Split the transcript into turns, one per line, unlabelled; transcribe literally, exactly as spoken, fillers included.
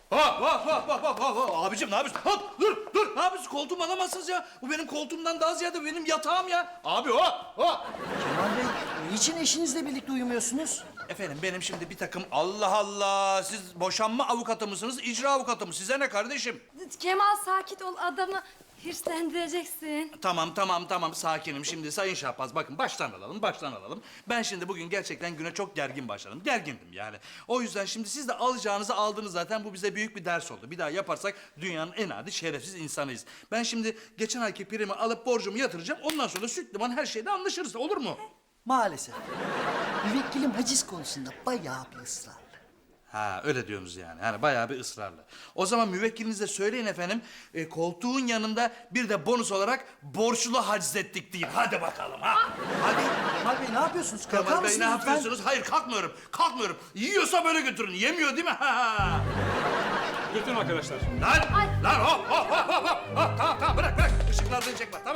Hop hop hop hop hop hop hop. Abicim ne yapıyorsun? Hop dur dur. Ne yapıyorsun? Koltuğumu alamazsınız ya. Bu benim koltuğumdan daha ziyade benim yatağım ya. Abi hop hop.
Kemal Bey, niçin eşinizle birlikte uyumuyorsunuz?
Efendim benim şimdi bir takım Allah Allah. Siz boşanma avukatı mısınız? İcra avukatı mı? Size ne kardeşim?
Kemal sakin ol, adamı hırslandıracaksın.
Tamam tamam tamam sakinim. Şimdi Sayın Şahbaz bakın baştan alalım baştan alalım. Ben şimdi bugün gerçekten güne çok gergin başladım. Gergindim yani. O yüzden şimdi siz de alacağınızı aldınız zaten. Bu bize büyük bir ders oldu. Bir daha yaparsak dünyanın en adi şerefsiz insanıyız. Ben şimdi geçen ayki primi alıp borcumu yatıracağım. Ondan sonra süt liman her şeyde anlaşırız. Olur mu?
Maalesef. Müvekkilim haciz konusunda bayağı bir ısrarlı.
Ha öyle diyorsunuz yani. Yani bayağı bir ısrarlı. O zaman müvekkilinize söyleyin efendim. E, koltuğun yanında bir de bonus olarak borçlu haczettik deyin. Hadi bakalım ha. Hadi.
Kemal Bey ne yapıyorsunuz? Kalkar
Kemal Bey
mısınız
ne
lütfen?
yapıyorsunuz? Hayır kalkmıyorum. Kalkmıyorum. Yiyorsa böyle götürün. Yemiyor değil mi? Ha, ha.
Götürün arkadaşlar.
Lan! Lan hop hop hop hop hop. Hop, tamam tamam bırak bırak. Işıklardan çekme tamam.